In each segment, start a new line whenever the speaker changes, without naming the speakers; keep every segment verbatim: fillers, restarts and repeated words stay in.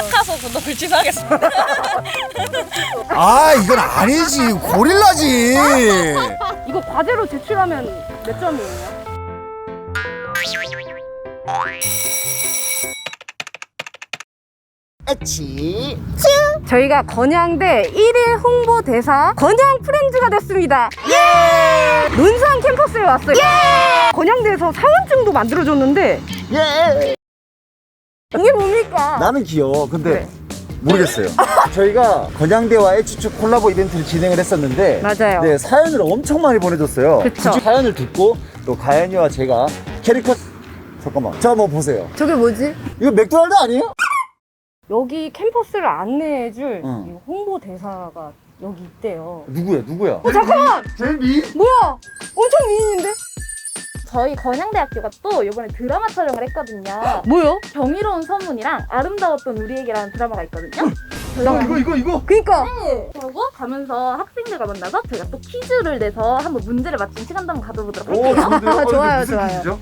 착하소 구독을 취소하겠습니다.
아 이건 아니지, 고릴라지.
이거 과제로 제출하면 몇 점이에요?
에치.
저희가 건양대 일 일 홍보대사 건양 프렌즈가 됐습니다.
예.
논산 캠퍼스에 왔어요. 예. 건양대에서 사원증도 만들어줬는데
예.
이게 뭡니까?
나는 귀여워. 근데
네.
모르겠어요. 저희가 건양대와 에치축 콜라보 이벤트를 진행을 했었는데
맞아요.
네, 사연을 엄청 많이 보내줬어요.
그쵸.
그 사연을 듣고 또 가연이와 제가 캐릭터 잠깐만 저 한번 보세요.
저게 뭐지?
이거 맥도날드 아니에요?
여기 캠퍼스를 안내해줄
응.
이 홍보대사가 여기 있대요.
누구야 누구야?
어 잠깐만!
제미?
뭐야? 엄청 미인인데?
저희 건양대학교가 또 이번에 드라마 촬영을 했거든요.
뭐요?
경이로운 소문이랑 아름다웠던 우리에게라는 드라마가 있거든요.
야 이거 이거 이거
그니까
네. 그리고 가면서 학생들과 만나서 저희가 또 퀴즈를 내서 한번 문제를 맞춘 시간도 한번 가져보도록
오
할게요.
좋은데요? 어, 이거
좋아요,
무슨
좋아요.
퀴즈죠?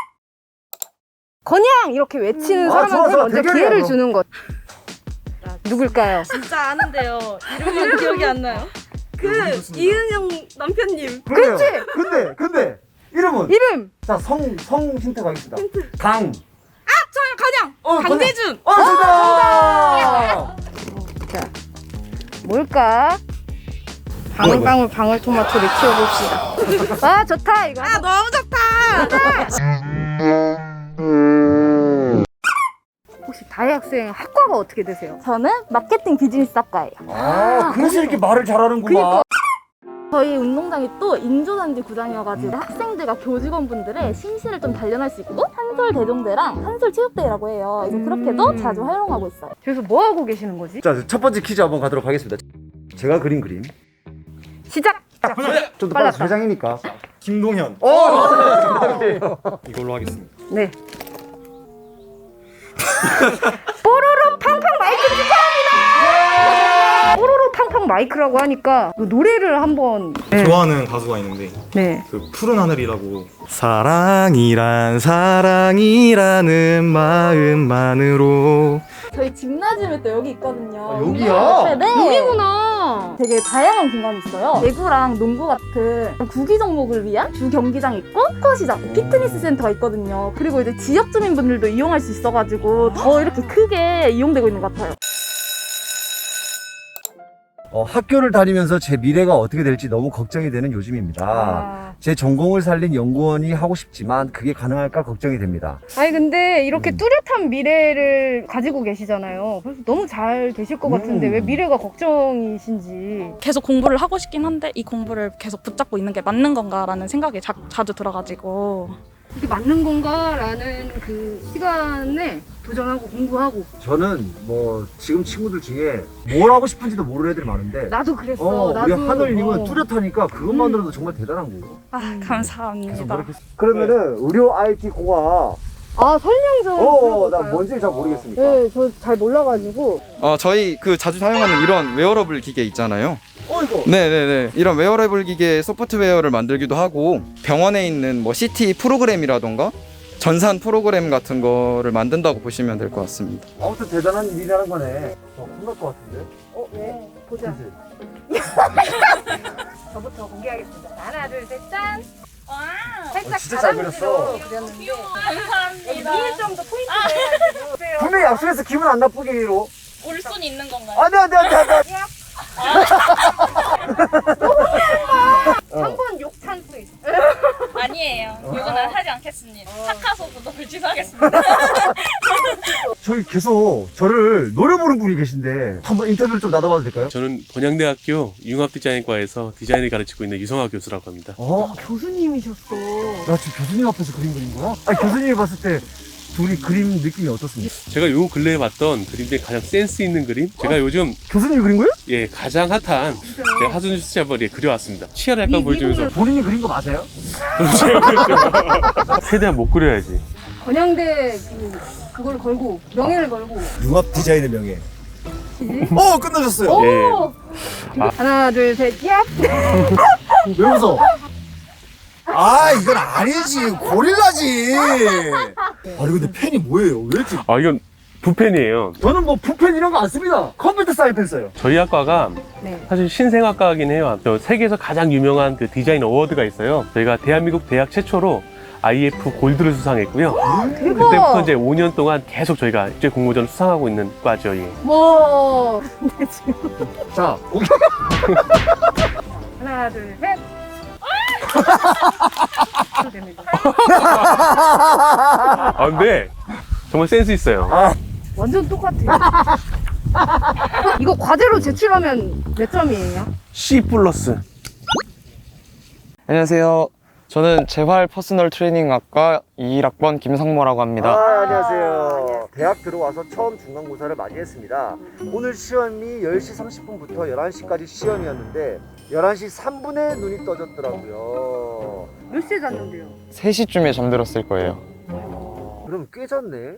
건양! 이렇게 외치는
아,
사람한테
좋아, 좋아.
먼저
대결이야,
기회를
그럼.
주는 것. 누굴까요?
진짜 아는데요. 이름이 기억이 안 나요. 그 이은영 남편님.
그렇지. 근데 근데 이름은
이름!
자 성 성 힌트 가겠습니다. 강.
저요 건양.
어,
강재준.
어 정답.
자, 뭘까? 방울방울 방울토마토를 키워봅시다. 아, 좋다, 이거.
아 너무 좋다.
혹시 다혜 학생 학과가 어떻게 되세요?
저는 마케팅 비즈니스학과예요.
아 그래서 이렇게 말을 잘하는구만.
저희 운동장이 또 인조단지 구장이어가지고 학생들과 교직원분들의 심시를 좀 단련할 수 있고 한솔대동대랑 한솔체육대회라고 해요. 그래서 그렇게도 자주 활용하고 있어요.
그래서 뭐 하고 계시는 거지?
자 첫 번째 퀴즈 한번 가도록 하겠습니다. 제가 그린 그림.
시작!
좀 더
빨랐다.
빨리 회장이니까.
김동현
오!
이걸로 하겠습니다.
네. 뽀로로 팡팡 마이크 축하합니다! 뽀로로 팡팡 마이크라고 하니까 노래를 한번. 네.
좋아하는 가수가 있는데
네.
그 푸른 하늘이라고 사랑이란 사랑이라는 마음만으로
저희 짐나지움이 또 여기 있거든요.
아, 여기야?
네.
여기구나.
되게 다양한 공간이 있어요. 배구랑 농구 같은 구기 종목을 위한 주 경기장 있고 스쿼시장, 피트니스 센터가 있거든요. 그리고 이제 지역 주민분들도 이용할 수 있어가지고 더 이렇게 크게 이용되고 있는 것 같아요.
어, 학교를 다니면서 제 미래가 어떻게 될지 너무 걱정이 되는 요즘입니다.
아.
제 전공을 살린 연구원이 하고 싶지만 그게 가능할까 걱정이 됩니다.
아니 근데 이렇게
음.
뚜렷한 미래를 가지고 계시잖아요. 그래서 너무 잘 되실 것 같은데
음.
왜 미래가 걱정이신지.
계속 공부를 하고 싶긴 한데 이 공부를 계속 붙잡고 있는 게 맞는 건가라는 생각이 자, 자주 들어가지고
이게 맞는 건가라는 그 시간에 도전하고 공부하고.
저는 뭐 지금 친구들 중에 뭘 하고 싶은지도 모르는 애들이 많은데
나도 그랬어.
어,
나도.
우리 하늘님은
어.
뚜렷하니까 그것만으로도 정말 대단한 거고.
아
계속
감사합니다.
노력했... 그러면은 의료 아이티 공학
아 설명 좀.
어, 나
들어볼까요?
뭔지 잘 모르겠으니까.
네, 저 잘 몰라가지고.
어, 저희 그 자주 사용하는 이런 웨어러블 기계 있잖아요.
어 이거.
네네네. 이런 웨어러블 기계 소프트웨어를 만들기도 하고 병원에 있는 뭐 씨티 프로그램이라던가 전산 프로그램 같은 거를 만든다고 보시면 될 것 같습니다.
아무튼 대단한 일이라는 거네. 어, 혼날 것 같은데.
어, 왜? 보자.
그치?
저부터 공개하겠습니다. 하나, 둘, 셋, 짠.
와
살짝
어, 진짜 잘 그렸어.
그렸는데.
감사합니다.
위에 좀더 포인트 내가지고. 보세요.
분명히 약속해서 기분 안 나쁘기로.
올 순 있는 건가요?
안돼 안돼 안돼 안돼.
한 번 욕 찬스 있어.
아니에요. 이거는 하지 않겠습니다. 착하소 구독을 취소하겠습니다.
저희 계속 저를 노려보는 분이 계신데 한번 인터뷰를 좀 나눠봐도 될까요?
저는 건양대학교 융합디자인과에서 디자인을 가르치고 있는 유성화 교수라고 합니다.
어?
교수님이셨어.
나 지금 교수님 앞에서 그림 그린 거야? 아니 교수님이 봤을 때 둘이 그림 느낌이 어떻습니까?
제가 요 근래에 봤던 그림 중에 가장 센스 있는 그림? 제가 요즘
교수님이 그린 거예요?
예 가장 핫한 제 하준수 씨 한번 예, 그려왔습니다. 치아를 약간 보여주면서
본인이 그린 거 맞아요?
최대한 못 그려야지.
건양대 그, 그걸 걸고, 명예를 걸고.
융합 디자인의 명예. 어 끝나셨어요.
예.
하나, 둘, 셋, 야!
왜 웃어? 아 이건 아니지, 고릴라지. 아니 근데 펜이 뭐예요? 왜 이렇게
아 이건 부펜이에요.
저는 뭐 푸펜 이런 거 안 씁니다. 컴퓨터 사이펜 써요.
저희 학과가
네.
사실 신생학과이긴 해요. 저 세계에서 가장 유명한 그 디자인 어워드가 있어요. 저희가 대한민국 대학 최초로 아이에프 골드를 수상했고요. 그때부터 이제 오 년 동안 계속 저희가 입제 공모전 수상하고 있는 과죠. 예.
와.
자, 오케이.
하나, 둘, 셋.
아, 근데 정말 센스 있어요.
완전 똑같아요. 이거 과제로 제출하면 몇 점이에요?
C 플러스.
안녕하세요. 저는 재활 퍼스널 트레이닝학과 이일 학번 김상모라고 합니다.
아, 안녕하세요. 대학 들어와서 처음 중간고사를 많이 했습니다. 오늘 시험이 열 시 삼십 분부터 열한 시까지 시험이었는데 열한 시 삼 분에 눈이 떠졌더라고요.
몇 시에 잤는데요?
세 시쯤에 잠들었을 거예요.
그럼 꽤 잤네.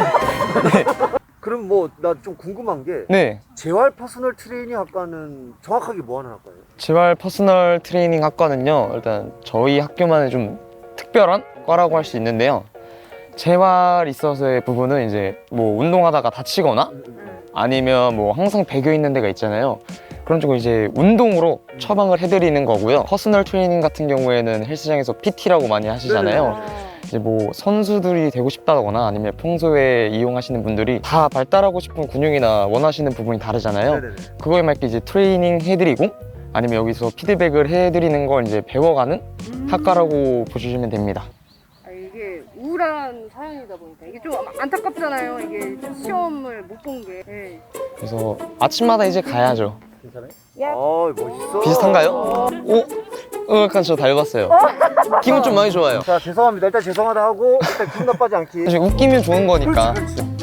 그럼 뭐 나 좀 궁금한 게
네.
재활 퍼스널 트레이닝 학과는 정확하게 뭐 하는 학과예요?
재활 퍼스널 트레이닝 학과는요, 일단 저희 학교만의 좀 특별한 과라고 할 수 있는데요. 재활 있어서의 부분은 이제 뭐 운동하다가 다치거나 아니면 뭐 항상 배겨 있는 데가 있잖아요. 그런 쪽을 이제 운동으로 처방을 해드리는 거고요. 퍼스널 트레이닝 같은 경우에는 헬스장에서 피티라고 많이 하시잖아요. 이제 뭐 선수들이 되고 싶다거나 아니면 평소에 이용하시는 분들이 다 발달하고 싶은 근육이나 원하시는 부분이 다르잖아요.
네네네.
그거에 맞게 이제 트레이닝 해드리고 아니면 여기서 피드백을 해드리는 걸 이제 배워가는 학과라고 보시면 됩니다.
아, 이게 우울한 사연이다 보니까 이게 좀 안타깝잖아요. 이게 시험을 못 본 게. 네.
그래서 아침마다 이제 가야죠.
괜찮아요?
야.
아, 멋있어.
비슷한가요? 오? 어, 약간 저 닮았어요. 기분 좀 많이 좋아요.
자, 죄송합니다. 일단 죄송하다 하고 일단 기분 나빠지 않기.
사실 웃기면 좋은 거니까.
그렇지, 그렇지.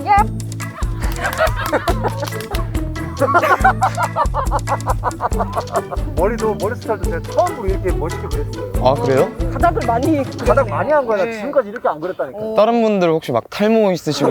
머리도 머리 스타일도 제가 처음으로 이렇게 멋있게 그렸어요.
아, 그래요?
가닥을 많이
가장 많이 한 거야. 나
네.
지금까지 이렇게 안 그렸다니까.
다른 분들 혹시 막 탈모 있으시고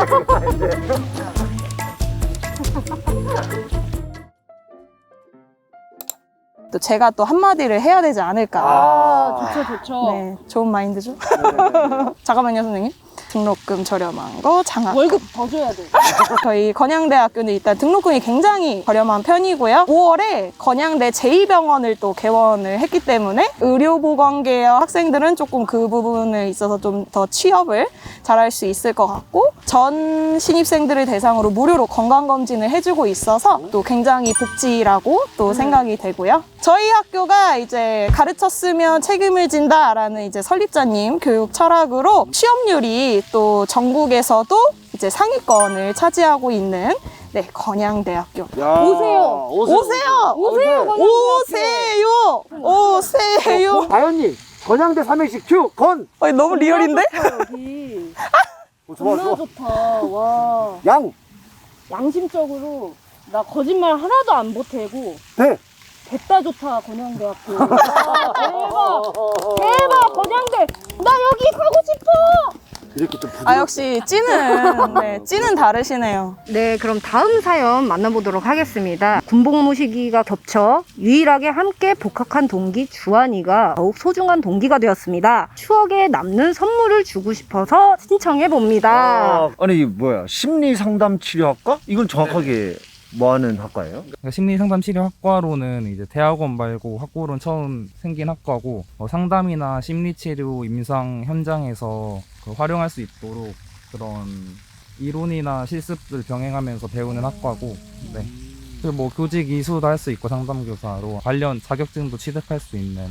또 제가 또 한마디를 해야 되지 않을까.
아,
좋죠, 좋죠.
네, 좋은 마인드죠.
네네네.
잠깐만요, 선생님. 등록금 저렴한 거, 장학.
월급 더 줘야 돼.
저희 건양대학교는 일단 등록금이 굉장히 저렴한 편이고요. 오월에 건양대 제이 병원을 또 개원을 했기 때문에 의료보건계열 학생들은 조금 그 부분에 있어서 좀 더 취업을 잘할 수 있을 것 같고, 전 신입생들을 대상으로 무료로 건강검진을 해주고 있어서 또 굉장히 복지라고 또 생각이 되고요. 저희 학교가 이제 가르쳤으면 책임을 진다라는 이제 설립자님 교육 철학으로 취업률이 또 전국에서도 이제 상위권을 차지하고 있는 네, 건양대학교.
야,
오세요.
오세요.
오세요!
오세요.
오세요! 오세요!
다현님, 건양대 삼행시 큐, 건!
어, 너무 리얼인데?
여기.
어, 좋아,
너무
좋아.
좋다. 와.
양,
양심적으로 나 거짓말 하나도 안 보태고
대.
됐다 좋다 건양대학교. 와, 대박. 대박 건양대. 나 여기 가고 싶어.
이렇게 좀 부드럽게.
아, 역시 찌는, 네, 찌는 다르시네요.
네, 그럼 다음 사연 만나보도록 하겠습니다. 군복무 시기가 겹쳐 유일하게 함께 복학한 동기 주한이가 더욱 소중한 동기가 되었습니다. 추억에 남는 선물을 주고 싶어서 신청해 봅니다.
아, 아니, 이게 뭐야? 심리상담치료학과? 이건 정확하게 뭐 하는 학과예요?
그러니까 심리상담치료학과로는 이제 대학원 말고 학부로는 처음 생긴 학과고, 어, 상담이나 심리치료 임상 현장에서 그 활용할 수 있도록 그런 이론이나 실습을 병행하면서 배우는 학과고, 네. 그리고 뭐 교직 이수도 할 수 있고 상담교사로 관련 자격증도 취득할 수 있는.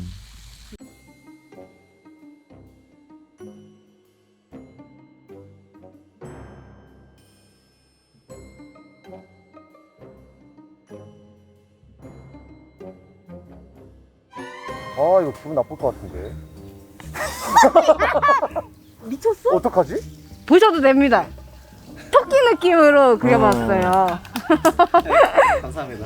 아, 이거 기분 나쁠 것 같은데.
미쳤어?
어떡하지?
보셔도 됩니다. 토끼 느낌으로 그려봤어요.
감사합니다.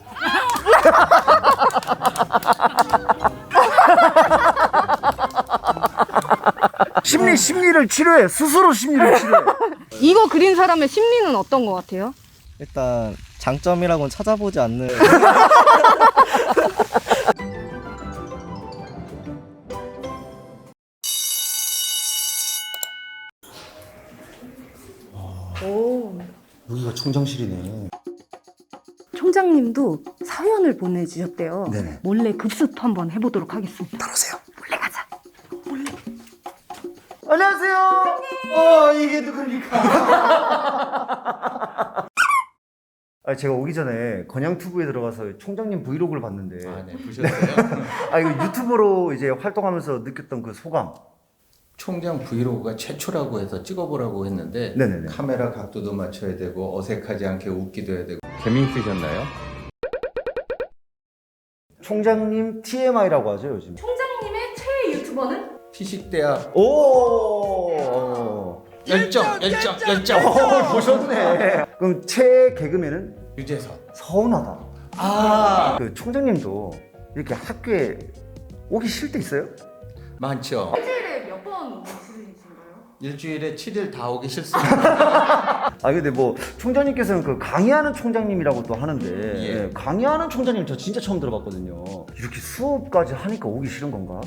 심리, 심리를 치료해. 스스로 심리를 치료해.
이거 그린 사람의 심리는 어떤 것 같아요?
일단 장점이라고는 찾아보지 않는.
오,
총장실이네.
총장님도 사연을 보내주셨대요.
네네.
몰래 급습 한번 해보도록 하겠습니다.
따라오세요.
몰래 가자.
안녕하세요. 어, 이게 누굽니까? 아, 제가 오기 전에 건양투브에 들어가서 총장님 브이로그를 봤는데.
아, 네, 보셨어요?
아, 이거 유튜버로 이제 활동하면서 느꼈던 그 소감.
총장 브이로그가 최초라고 해서 찍어보라고 했는데
네네네.
카메라 각도도 맞춰야 되고 어색하지 않게 웃기도 해야 되고 재미있으셨나요?
총장님 티엠아이라고 하죠, 요즘.
총장님의 최애 유튜버는?
피식대학
오!
열정, 열정, 열정.
오, 보셨네. 그럼 최 개그맨은?
유재석.
서운하다.
아,
그 총장님도 이렇게 학교에 오기 싫을 때 있어요?
많죠.
일주일에 몇 번 오시는가요?
일주일에 칠 일 다 오기 싫습니다.
아 근데 뭐 총장님께서는 그 강의하는 총장님이라고 또 하는데
예.
강의하는 총장님 저 진짜 처음 들어봤거든요. 이렇게 수업까지 하니까 오기 싫은 건가?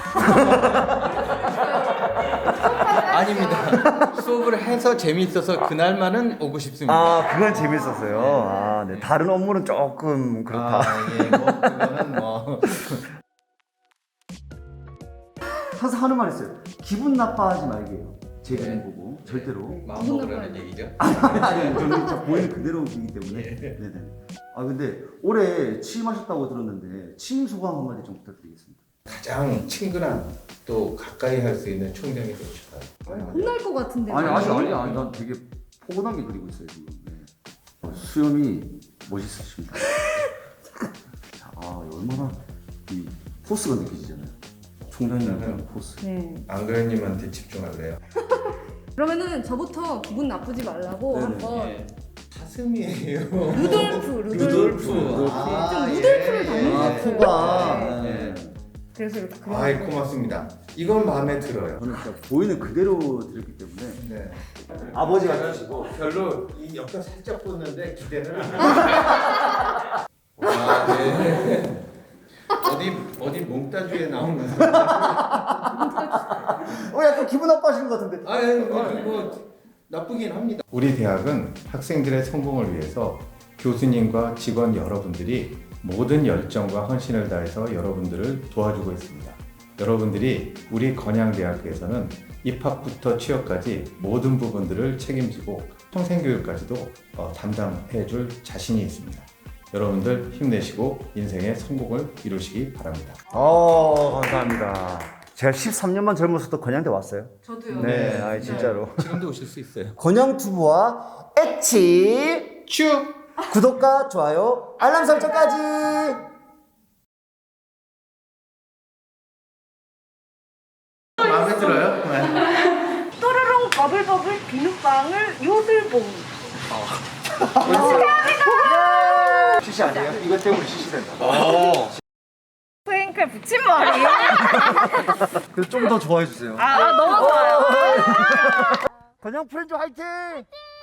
아닙니다. 수업을 해서 재미있어서 그날만은 오고 싶습니다.
아 그건 재밌었어요. 아 네. 다른 업무는 조금 그렇다.
아, 예, 뭐 그거는 뭐.
항상 하는 말 있어요. 기분 나빠하지 말게요. 제 기분 보고 절대로.
마음 먹으라는 얘기죠.
아니 아니 저는 진짜 보이는 그대로이기 때문에.
예.
네네. 아 근데 올해 취임하셨다고 들었는데 취임 소감 한마디 좀 부탁드리겠습니다.
가장 친근한 또 가까이 할 수 있는 총장이 되고 싶어요.
혼날 것 같은데.
아니 아직 아니 아니 난 되게 포근하게 그리고 있어요 지금. 네. 어, 수염이 멋있으십니다. 자, 아 얼마나 이 포스가 느껴지잖아요. 총장님의 포스.
네.
안그현님한테 집중할래요.
그러면은 저부터 기분 나쁘지 말라고
네네.
한번
예. 사슴이에요.
루돌프, 루돌프.
루돌프. 아,
좀
예.
루돌프를 닮은
아
것 같아요.
코가.
네.
네.
그래서 이렇게 그려.
아이 고맙습니다. 이건 마음에 들어요.
저는 진짜 보이는 그대로 드렸기 때문에
네.
아버지 같으시고.
별로 이 옆에 살짝 붙는데 기대는 안 해요. 와, 네. 어디 어디 몽따주에 나오는.
어 약간 기분 나빠하시는 것 같은데.
아, 뭐, 뭐 나쁘긴 합니다. 우리 대학은 학생들의 성공을 위해서 교수님과 직원 여러분들이 모든 열정과 헌신을 다해서 여러분들을 도와주고 있습니다. 여러분들이 우리 건양대학교에서는 입학부터 취업까지 모든 부분들을 책임지고 평생교육까지도 어, 담당해 줄 자신이 있습니다. 여러분들 힘내시고 인생의 성공을 이루시기 바랍니다.
어 감사합니다. 제가 십삼 년만 젊었어도 건양대 왔어요.
저도요.
네, 아 진짜로.
지금도 오실 수 있어요.
건양투브와 엣치
쭉!
구독과 좋아요 알람 설정까지.
마음에 들어요?
또르릉 버블버블 비눗방울 요술봉.
시시 아니에요? 이것 때문에 시시된다.
프랭클 붙임머리.
그래서 좀 더 좋아해 주세요.
아, 너무 좋아요.
건양 프렌즈 화이팅!